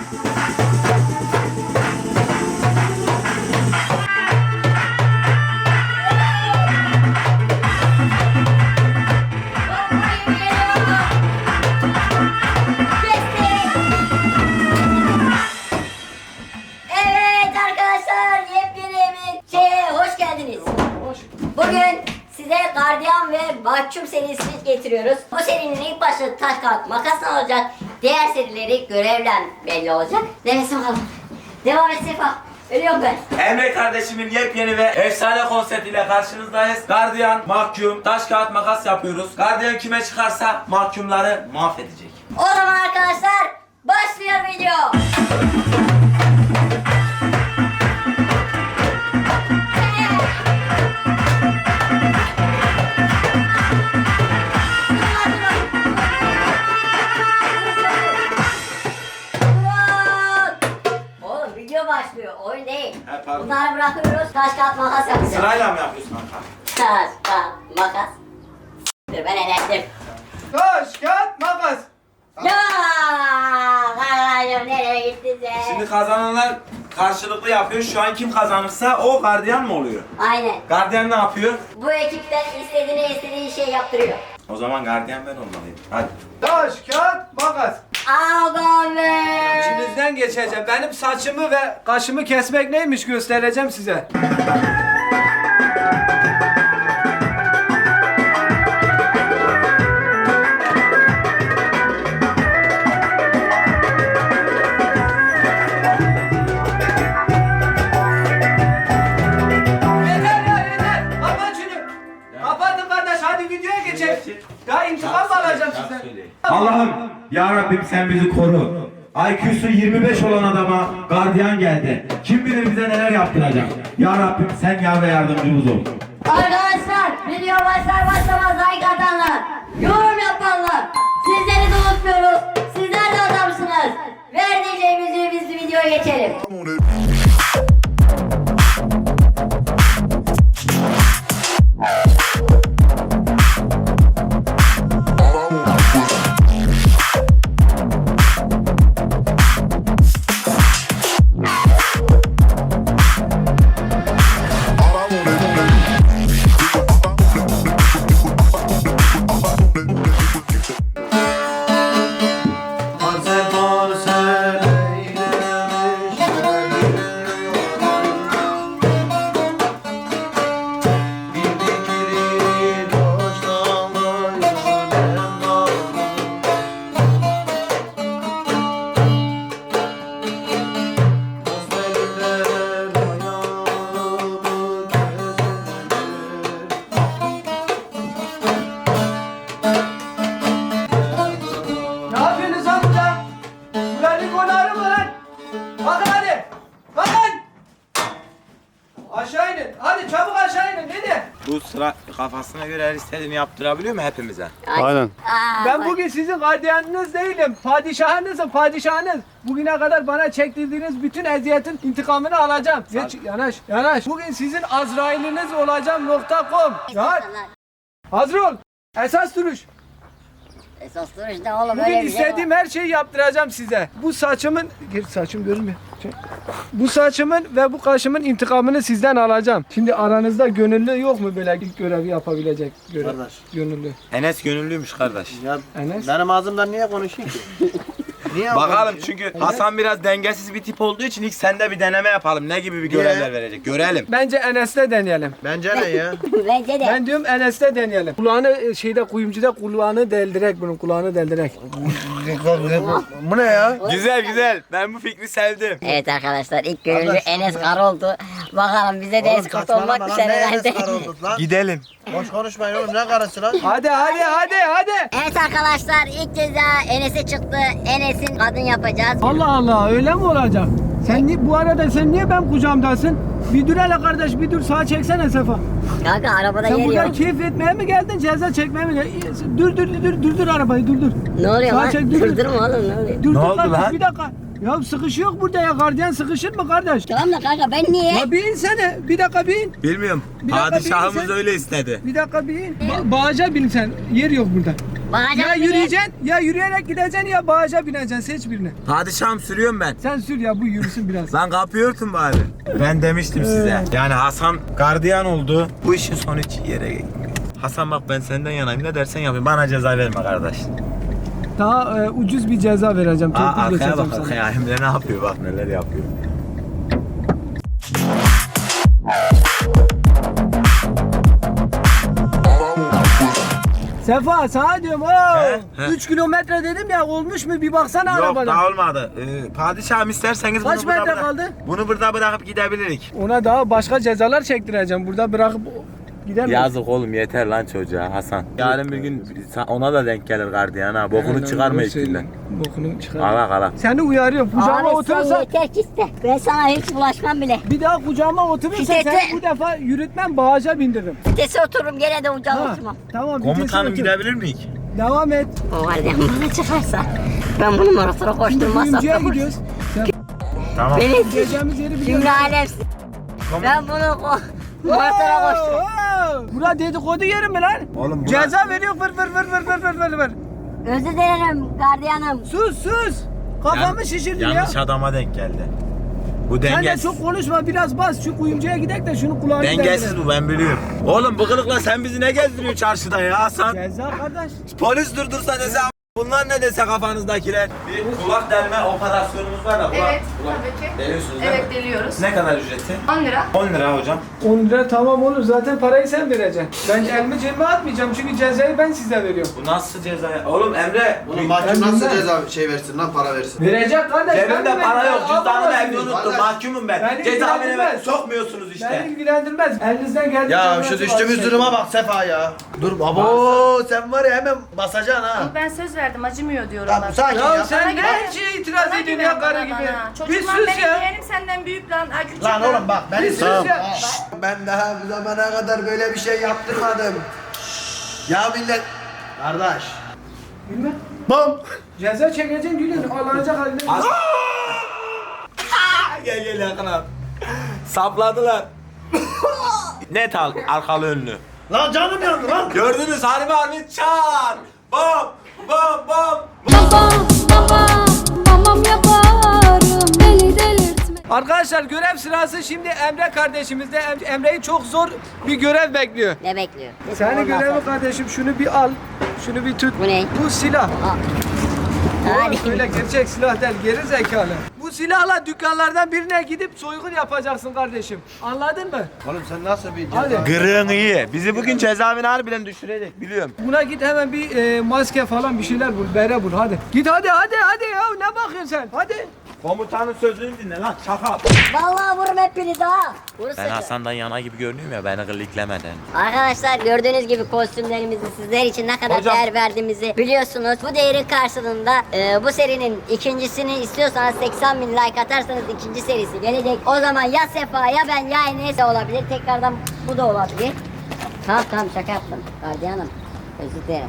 Bugün size gardiyan ve mahkum serisini getiriyoruz. Bu serinin ilk başta taş kağıt makasla olacak. Diğer serileri görevle belli olacak. Nefes bakalım. Devam et Sefa. Ölüyorum ben. Emre kardeşimin yepyeni ve efsane konseptiyle karşınızdayız. Gardiyan, mahkum, taş kağıt makas yapıyoruz. Gardiyan kime çıkarsa mahkumları mahvedecek. O zaman arkadaşlar başlıyor video. Oğlum video başlıyor, oyun değil. He, pardon. Bunları bırakıyoruz, taş kağıt makas yapacağız. Sırayla mı yapıyorsun kanka? Taş kağıt makas. Dur ben elendim. Taş, kağıt, makas. Ya kardeşim nereye gittin sen? Şimdi kazananlar karşılıklı yapıyor. Şu an kim kazanırsa o gardiyan mı oluyor? Aynen. Gardiyan ne yapıyor? Bu ekipten istediği şey yaptırıyor. O zaman gardiyan ben olmalıyım. Hadi. Taş, kağıt, makas. Ağam be. İçinizden geçeceğim. Benim saçımı ve kaşımı kesmek neymiş göstereceğim size. Yeter ya yeter. Kapat şunu. Kapatın kardeş hadi videoya geçelim. Daha intikam mı alacağım sizden? Allah'ım ya Rabbim sen bizi koru. IQ'su 25 olan adama gardiyan geldi. Kim bilir bize neler yaptıracak. Ya Rabbim sen yar ve yardımcımız ol. Arkadaşlar video başlamaz like atanlar, yorum yapanlar, sizleri de unutmuyoruz. Sizler de adamsınız. Ver diyeceğimizi biz videoya geçelim. Ne yapıyorsunuz lan burada? Buranın konarı mı lan? Bakın hadi. Bakın. Aşağı inin. Hadi çabuk aşağı inin. Neden? Bu sıra kafasına göre her istediğini yaptırabiliyor mu hepimize? Aynen. Ben bugün sizin gardiyanınız değilim. Padişahınızım, padişahınız. Bugüne kadar bana çektirdiğiniz bütün eziyetin intikamını alacağım. Geç, yanaş, yanaş. Bugün sizin Azrail'iniz olacağım.com. Ya, hazır ol. Esas duruş. Esas duruş ne oğlum Bugün öyle bir şey var. istediğim her şeyi yaptıracağım size. Bu saçımın... Geri saçım görünmüyor. Bu saçımın ve bu kaşımın intikamını sizden alacağım. Şimdi aranızda gönüllü yok mu böyle ilk görevi yapabilecek? Kardeş. Gönüllü. Enes gönüllüymüş kardeş. Ya Enes? benim ağzımdan niye konuşayım ki? Niye Bakalım çünkü Hasan biraz dengesiz bir tip olduğu için ilk sende bir deneme yapalım. Ne gibi bir görevler verecek? Görelim. Bence Enes'te deneyelim. Bence ne ya? Bence de. Ben diyorum Enes'te deneyelim. Kulağını kuyumcuda kulağını deldirek bunun kulağını deldirek. Bu ne ya? Güzel güzel. Ben bu fikri sevdim. Evet arkadaşlar ilk gönüllü Enes Kar oldu. Bakalım bize de eskort olmak düşer herhalde. Gidelim. Boş konuşmayın oğlum ne karısı lan? Hadi. Evet arkadaşlar ilk ceza Enes'e çıktı. Enes'in kadın yapacağız. Allah Allah öyle mi olacak? Bu arada sen niye ben kucağımdasın? Bir dur hele kardeş bir dur sağa çeksene Sefa. Kanka arabada Sen yer burada yok. keyif etmeye mi geldin ceza çekmeye mi geldin? Dur arabayı dur. Ne oluyor Sağa lan? çek, dur. Durdurma oğlum ne oluyor? Dur Ne oldu kardeş, lan? bir dakika. Ya sıkışıyor burada ya gardiyan sıkışır mı kardeş? Tamam da kanka ben niye? Ya bir insene bir dakika bin. Bilmiyorum. Bir dakika, Padişahımız bir sen- öyle istedi. Bir dakika bin. Bağaca bin sen yer yok burada. Bağaca Ya mı bineyim? yürüyeceksin, ya yürüyerek gideceksin ya bağaca bineceksin. Seç birini. Padişahım sürüyorum ben. Sen sür ya bu yürüsün biraz. Lan kapıyı örtün bari. Ben demiştim size. Yani Hasan gardiyan oldu. Bu işin sonu hiç yere gitmiyor. Hasan bak ben senden yanayım, ne dersen yapayım. Bana ceza verme kardeş. Daha ucuz bir ceza vereceğim. Torpil Arkaya geçeceğim bak sana. arkaya. Emre ne yapıyor, bak neler yapıyor. Sefa sana diyorum He? 3 kilometre dedim ya, olmuş mu bir baksana Yok arabadan. daha olmadı. Padişahım isterseniz Kaç bunu burada metre bırak- kaldı? Bunu burada bırakıp gidebilirik. Ona daha başka cezalar çektireceğim. Burada bırakıp gidemem. Yazık oğlum, yeter lan çocuğa Hasan. Yarın bir gün ona da denk gelir gardiyan ha. Bokunu çıkarma içinden. Bokunu çıkar. Kala kala. Seni uyarıyorum. Kucağıma Abi sen oturursan yeter ki iste. Ben sana hiç bulaşmam bile. bir daha kucağıma oturursan Vitese- seni bu defa yürütmem, bağaca bindiririm. Vitese otururum gene de ucağa Ha, oturmam. tamam vitese Komutanım otur. gidebilir miyik? Devam et. O gardiyan bana çıkarsa ben bunu motora koşturmazsam Kuyumcuya da gidiyoruz. Sen Tamam. beni gideceğimiz yeri biliyorsun. cümle alemsin. Ben bunu motora koştururum. Bura dedikodu yeri mi lan? Oğlum bura- Ceza veriyor fır fır fır fır fır fır fır fır. Özür dilerim gardiyanım. Sus. Kafamı şişirdin ya. Yanlış adama denk geldi. Bu Sen de dengesiz. çok konuşma, biraz bas. Şu kuyumcuya gidelim de şunu kulağını Dengesiz deldirelim. bu, ben biliyorum. Oğlum bu kılıkla sen bizi ne gezdiriyorsun çarşıda ya Hasan? Ceza kardeş. Polis durdursa dese bunlar ne dese kafanızdakiler. Bir kulak delme operasyonumuz var da kulak. Evet, tabii ki. Deliyorsunuz değil Evet, mi? deliyoruz. Ne kadar ücreti? 10 lira. 10 lira hocam. 10 lira tamam olur. Zaten parayı sen vereceksin. Ben elimi cebime atmayacağım çünkü cezayı ben size veriyorum. Bu nasıl ceza ya? Oğlum Emre. Oğlum mahkum nasıl ceza versin lan, para versin. Verecek kardeş. ben Cebimde de para vereceğim. yok. Cüzdanımı Alamazsın. evde unuttum. Kardeş. Mahkumum ben. Beni Cezaevine ilgilendirmez. sokmuyorsunuz Beni işte. ilgilendirmez. Elinizden geldiğince... Ya nasıl şu düştüğümüz var? duruma bak Sefa ya. Dur abo, sen var ya hemen basacaksın ha. Ama ben söz verdim, acımıyor diyorum Tamam bak. sakin Ya ya. sen Bana ne güven. her şeye itiraz Bana ediyorsun güven ya karı bana, gibi? bana. Bir Çocuklar sus benim ya. yeğenim senden büyük lan. Ha, küçük Lan oğlum bak beni Bir sus tamam. ya. Ben daha bu zamana kadar böyle bir şey yaptırmadım. Ya millet. Kardeş. Bilmem. Bam. Ceza çekeceksin gülün. Ağlanacak halinde. Gel yakına. Sapladılar. Net arkalı önlü. Lan canım yandı lan. Gördünüz harbi harbi çar. Bam bam bam. Babam yaparım deli delirtme. Arkadaşlar görev sırası şimdi Emre kardeşimizde. Emre'yi çok zor bir görev bekliyor. Ne bekliyor? Senin Ondan görevi sonra. kardeşim, şunu bir al. Şunu bir tut. Bu ne? Bu silah. Hadi. Öyle gerçek silah değil, geri zekalı. Bu silahla dükkanlardan birine gidip soygun yapacaksın kardeşim. Anladın mı? Oğlum sen nasıl bir Hadi. Gırığın iyi. Bizi bugün cezaevine harbiden düşürecek biliyorum. Buna git hemen bir maske falan bir şeyler bul, bere bul hadi. Git hadi ya, ne bakıyorsun sen? Hadi. Komutanın sözünü dinle lan çakal. Vallahi vururum hepinizi ha. Vurursun. Ben Hasan'dan yana gibi görünüyorum ya, beni gırliklemeden. Arkadaşlar gördüğünüz gibi kostümlerimizi sizler için ne kadar Hocam. değer verdiğimizi biliyorsunuz. Bu değerin karşılığında bu serinin ikincisini istiyorsanız 80.000 like atarsanız ikinci serisi gelecek. O zaman ya Sefa ya ben ya Enes olabilir. Tekrardan bu da olabilir. Tamam şaka yaptım. Gardiyanım. Özür dilerim.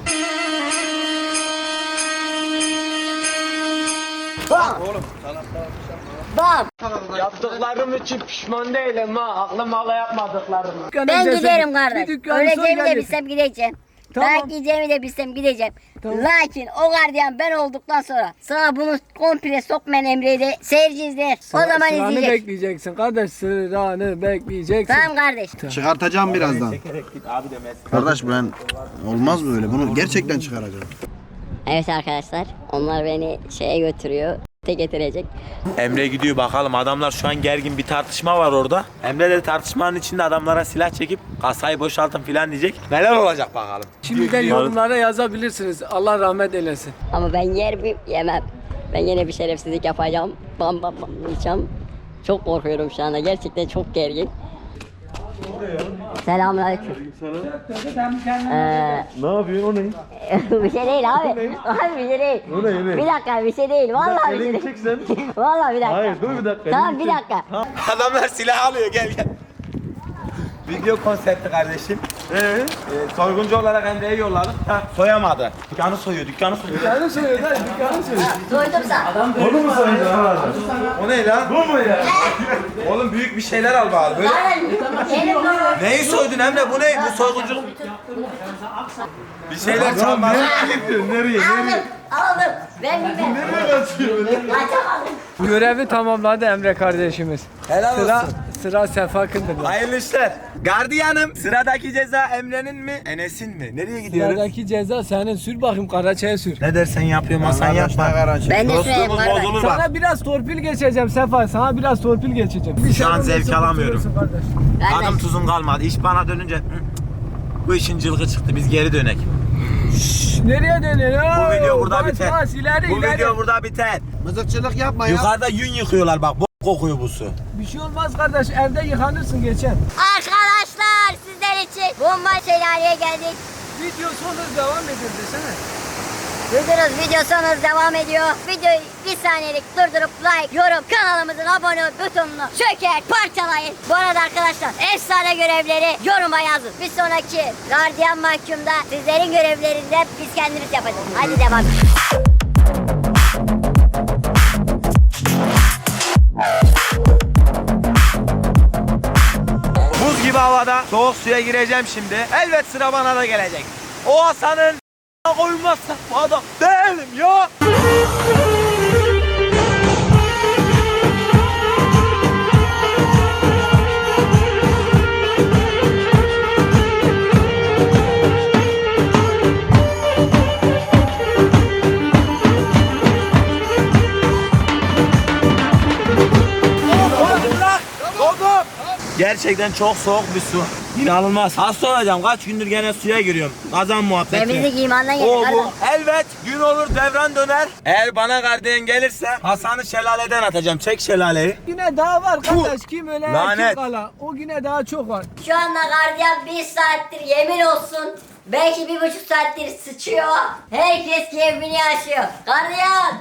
Bam! Bam! Yaptıklarım için pişman değilim ha. Aklım hala yapmadıklarım. Ben giderim kardeş. Öleceğimi de bir bilsem gideceğim. Tamam. Ben gideceğimi de bilsem gideceğim. Tamam. Lakin o gardiyan ben olduktan sonra sana bunu komple sokmayan Emre'yi de seyirci izler. O zaman Sıranı izleyecek. bekleyeceksin kardeş, sıranı bekleyeceksin. Tamam kardeş. Çıkartacağım birazdan. Git abi demez. Kardeş ben olmaz böyle, bunu gerçekten çıkaracağım. Evet arkadaşlar onlar beni şeye götürüyor. Getirecek. Emre gidiyor bakalım, adamlar şu an gergin, bir tartışma var orada. Emre de tartışmanın içinde adamlara silah çekip kasayı boşaltın filan diyecek. Neler olacak bakalım. Şimdiden yorumlara yazabilirsiniz. Allah rahmet eylesin. Ama ben yer mi yemem. Ben yine bir şerefsizlik yapacağım. Bam diyeceğim. Çok korkuyorum şu anda. Gerçekten çok gergin. Selamünaleyküm. Ne yapıyorsun, o ne? Bir şey değil abi. Abi bir şey değil. O ne? Bir dakika bir şey değil. Vallahi bir şey Elini değil. çeksen. Vallahi bir dakika. Hayır, dur bir dakika. Tamam elini bir çek. dakika. Adamlar silah alıyor, gel. Video konsepti kardeşim. Soyguncu olarak Emre'yi yolladık. Ha, soyamadı. Dükkanı soyuyor. Dükkanı soruyor lan, dükkanı soruyor. Soydum sana. Onu mu soydu? O ne lan? Bu mu ya? Oğlum büyük bir şeyler al bari. Böyle. Benim bu. Neyi soydun Emre? Bu ne? Bu soyguncu. Bir şeyler çalmaz. Nereye? Aldım. Ben bilmem. Kaçamadım. Görevi tamamladı Emre kardeşimiz. Helal olsun. Sıra Sefa Kındır'da. Hayırlı işler. Gardiyanım. Sıradaki ceza Emre'nin mi? Enes'in mi? Nereye gidiyoruz? Sıradaki ceza senin, sür bakayım Karaçay'a sür. Ne dersen yapıyorum Hasan yapma. Ben de süreyim Dostluğumuz kardeş. bozulur bak. Sana biraz torpil geçeceğim Sefa, sana biraz torpil geçeceğim. Şu an zevk alamıyorum. Kardeş. Adım tuzum kalmadı. İş bana dönünce bu işin cılgı çıktı. Biz geri dönek. Nereye dönüyorsun? Bu video burada biter. İleri, Bu ileri. video burada biter. Mızıkçılık yapma ya. Yukarıda yün yıkıyorlar bak. Bok kokuyor bu su. Bir şey olmaz kardeş, evde yıkanırsın geçen. Arkadaşlar sizler için bomba şelaleye geldik. Video sonu devam ediyor desene. Video sonumuz devam ediyor. Videoyu bir saniyelik durdurup like, yorum, kanalımızın abone ol butonunu çöker, parçalayın. Bu arada arkadaşlar efsane görevleri yoruma yazın. Bir sonraki gardiyan mahkumda sizlerin görevlerinden biz kendimiz yapacağız. Hadi devam. Buz gibi havada soğuk suya gireceğim şimdi. Elbet sıra bana da gelecek. O Hasan'ın koymazsak bu adam değilim ya. Gerçekten çok soğuk bir su. İnanılmaz. Hasta olacağım. Kaç gündür gene suya giriyorum. Kazan muhabbeti. Temizlik imandan gelir O bu. kardeş. Elbet gün olur devran döner. Eğer bana gardiyan gelirse Hasan'ı şelaleden atacağım. Çek şelaleyi. Yine daha var kardeş, kim öyle Lanet. kim kala. O yine daha çok var. Şu anda gardiyan 1 saattir yemin olsun. Belki 1,5 saattir sıçıyor. Herkes keyfini yaşıyor. Gardiyan!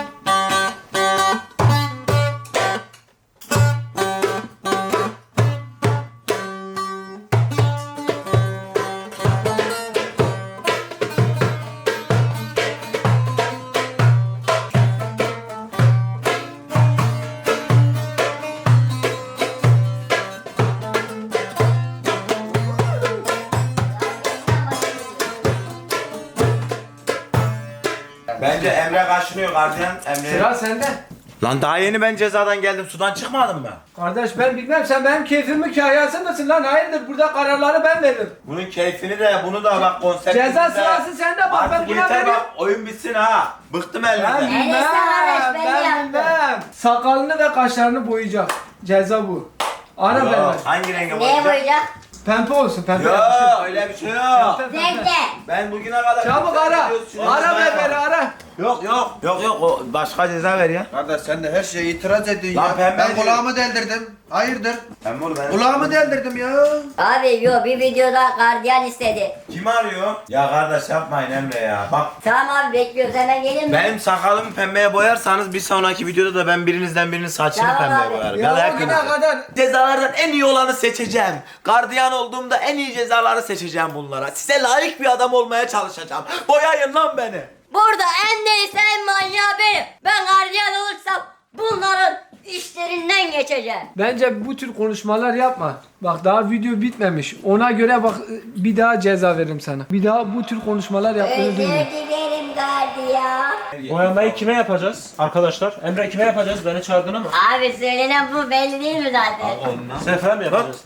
Bence Emre kaşınıyor gardiyan. Emre. Sıra sende. Lan daha yeni ben cezadan geldim. Sudan çıkmadım mı? Kardeş ben bilmem, sen benim keyfimin kahyası mısın lan? Hayırdır, burada kararları ben veririm. Bunun keyfini de bunu da bak konsept. Ceza sırası sende, bak ben Artık buna yeter veriyorum. bak oyun bitsin ha. Bıktım Ben elimden. bilmem, Enes kardeş, ben yaptım. bilmem. Sakalını ve kaşlarını boyayacak. Ceza bu. Ara Yok, ben. hangi renge Neye boyayacak? boyayacak? Pembe olsun, pembe. Yok öyle bir şey yok. Pembe, pembe. Renkli. Ben bugüne kadar... Çabuk ara. Ara ver beni, ara. Yok yok. Yok yok o başka ceza ver ya. Kardeş sen de her şeye itiraz ediyorsun Lan ya. pembe Ben diyor. kulağımı deldirdim. Hayırdır? Ben bunu ben... Kulağımı deldirdim ya. Abi yo, bir videoda gardiyan istedi. Kim arıyor? Ya kardeş yapmayın Emre ya. Bak Tamam abi bekliyoruz, hemen gelin mi? benim sakalımı pembeye boyarsanız bir sonraki videoda da ben birinizden birinin saçını Tamam pembeye abi. boyarım. Ya Ya da o güne hepiniz. kadar Cezalardan en iyi olanı seçeceğim. Gardiyan olduğumda en iyi cezaları seçeceğim bunlara. Size layık bir adam olmaya çalışacağım. Boyayın lan beni. Burada en delisi en manyağı benim. Ben gardiyan olursam bunların işlerinden geçeceğim. bence bu tür konuşmalar yapma. Bak daha video bitmemiş. Ona göre bak, bir daha ceza veririm sana. Bir daha bu tür konuşmalar yaptığını Özür duyma. dilerim gardiyan. Boyamayı kime yapacağız arkadaşlar? Emre kime yapacağız? Beni çağırdın ama. Abi söylenen bu, belli değil mi zaten? Sefer mi yapacağız?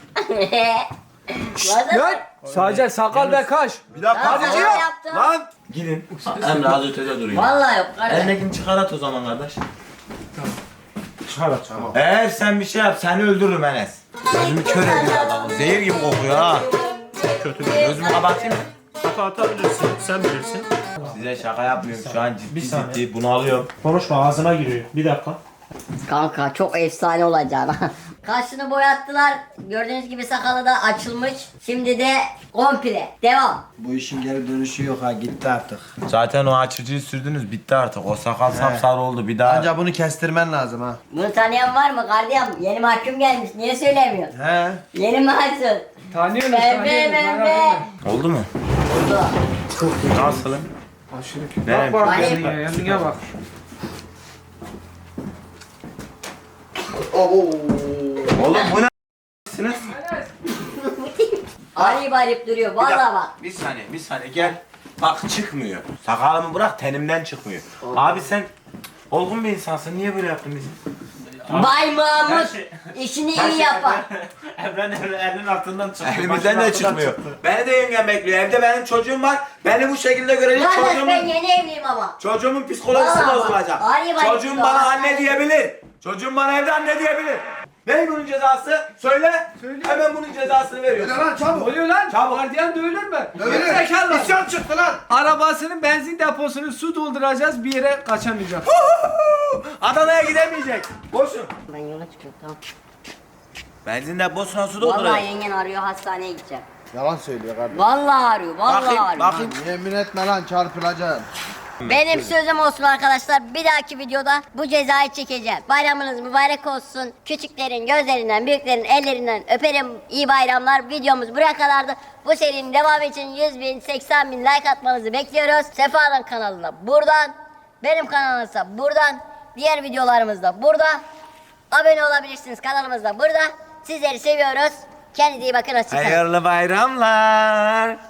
Lan sadece sakal ve kaş. Bir dakika Tamam, hadi tamam, ya. yaptım. Lan. Gidin. Emre az ötede duruyor. Vallahi yok kardeş. Elindekini çıkar at o zaman kardeş. Çıkar at. Tamam. Eğer sen bir şey yap seni öldürürüm Enes. Gözümü kör ediyor adamı. Zehir gibi kokuyor ha. Kötü bir Gözümü kapatayım mı? Hata atabilirsin. Sen bilirsin. Size şaka yapmıyorum şu an Bir ciddi saniye. ciddi bunu alıyorum. Konuşma ağzına giriyor. Bir dakika. Kanka çok efsane olacak. Kaşını boyattılar. Gördüğünüz gibi sakalı da açılmış. Şimdi de komple. Devam. Bu işin geri dönüşü yok ha, gitti artık. Zaten o açıcıyı sürdünüz bitti artık. O sakal sapsarı oldu bir daha. Ancak bunu kestirmen lazım ha. Bunu tanıyan var mı gardiyan? Yeni mahkum gelmiş. Niye söylemiyor? He. Yeni mahkum. Tanıyorsunuz, Emre, tanıyorsunuz. merak Emre. etme. Oldu mu? Oldu. Nasılım? Aşırı. Ne? Bak bak Vay. kendine, kendine bak. Oğlum bu ne a**sınız? Arayıp arayıp duruyor. Bir Vallahi dakika, bak. bir saniye gel. Bak çıkmıyor. Sakalımı bırak tenimden çıkmıyor. Abi sen olgun bir insansın. Niye böyle yaptın bizi? Bay Mahmut şey- işini iyi yapar. Evren elinin altından çıktı. Elimizden de çıkmıyor. Beni de yengem bekliyor. Evde benim çocuğum var. Beni bu şekilde görecek Kardeş ben çocuğumun... yeni evliyim ama. Çocuğumun psikolojisi Vallahi bak, bozulacak. arayıp arayıp Çocuğum duruyor. bana anne diyebilir. Çocuğum bana evde anne diyebilir. Ne bunun cezası? Söyle. Hemen bunun cezasını veriyorsun. Lan Ne çabuk. oluyor lan? Çabuk. Gardiyan dövülür mü? Dövülür. Gerizekalı. İsyan çıktı lan. Arabasının benzin deposunu su dolduracağız, bir yere kaçamayacak. Adana'ya gidemeyecek. Boşun. Ben yola çıkıyorum tamam. Benzin deposuna su Vallahi dolduracak. yengen arıyor hastaneye gideceğim. Yalan söylüyor kardeşim. Vallahi arıyor, vallahi Bakayım, arıyor. bakayım. Yemin etme lan çarpılacaksın. Benim sözüm olsun arkadaşlar. Bir dahaki videoda bu cezayı çekeceğim. Bayramınız mübarek olsun. Küçüklerin gözlerinden, büyüklerin ellerinden öperim. İyi bayramlar. Videomuz buraya kadardı. Bu serinin devamı için 100.000, 80.000 like atmanızı bekliyoruz. Sefa'nın kanalına buradan, benim kanalımsa buradan, diğer videolarımızda burada. Abone olabilirsiniz, kanalımız da burada. Sizleri seviyoruz. Kendinize iyi bakın. Hoşçakalın. Hayırlı bayramlar.